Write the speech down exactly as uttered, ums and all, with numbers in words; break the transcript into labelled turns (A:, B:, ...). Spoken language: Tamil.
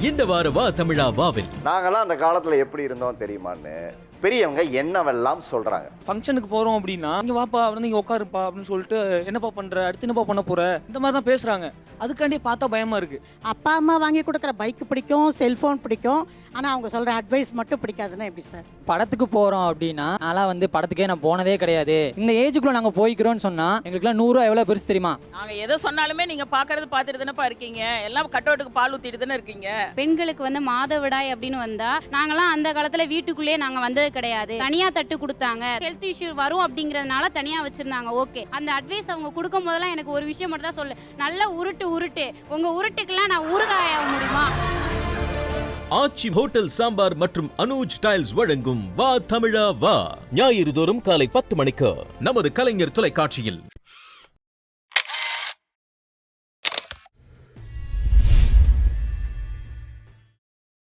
A: இந்த வார வா தமிழா வாவில்
B: நாங்கெல்லாம் அந்த காலத்துல எப்படி இருந்தோம் தெரியுமான்னு பெரியவங்க என்னவெல்லாம் சொல்றாங்க.
C: ஃபங்க்ஷனுக்கு போறோம் அப்படின்னா இங்க வாப்பா வந்து நீங்க உட்காருப்பா அப்படின்னு சொல்லிட்டு என்னப்பா பண்ற, அடுத்து என்னப்பா பண்ண போற, இந்த மாதிரி தான் பேசுறாங்க. அதுக்காண்டி பார்த்தா பயமா இருக்கு.
D: அப்பா அம்மா வாங்கி கொடுக்குற பைக் பிடிக்கும், செல்போன் பிடிக்கும், ஆனால் அவங்க சொல்கிற அட்வைஸ் மட்டும் பிடிக்காதுன்னா எப்படி சார்?
E: படத்துக்கு போகிறோம் அப்படின்னா அதெல்லாம் வந்து படத்துக்கே நான் போனதே கிடையாது. இந்த ஏஜுக்குள்ளே நாங்கள் போய்க்கிறோன்னு சொன்னால் எங்களுக்குலாம் நூறுரூவா எவ்வளோ பெருசு தெரியுமா?
F: நாங்கள் எதை சொன்னாலுமே நீங்கள் பார்க்கறது பார்த்துட்டு தானேப்பா இருக்கீங்க, எல்லாம் கட்டோட்டுக்கு பால் ஊற்றிட்டு தானே இருக்கீங்க.
G: பெண்களுக்கு வந்து மாதவிடாய் அப்படின்னு வந்தா நாங்களாம் அந்த காலத்துல வீட்டுக்குள்ளேயே நாங்க வந்தது கிடையாது. தனியா தட்டு கொடுத்தாங்க. ஹெல்த் இஷ்யூ வரும் அப்படிங்கறதுனால தனியா வச்சிருந்தாங்க. ஓகே, அந்த அட்வைஸ் அவங்க கொடுக்கும் போதெல்லாம் எனக்கு ஒரு விஷயம் மட்டும் தான் சொல்லு, நல்ல உருட்டு உருட்டு, உங்க உருட்டுக்கெல்லாம் நான் ஊறுகாய முடியுமா?
A: ஆச்சி ஹோட்டல் சாம்பார் மற்றும் அனுஜ் டைல்ஸ் வழங்கும் வா தமிழா வா ஞாயிறு தோறும் காலை பத்து மணிக்கு நமது கலைஞர் தொலைக்காட்சியில்.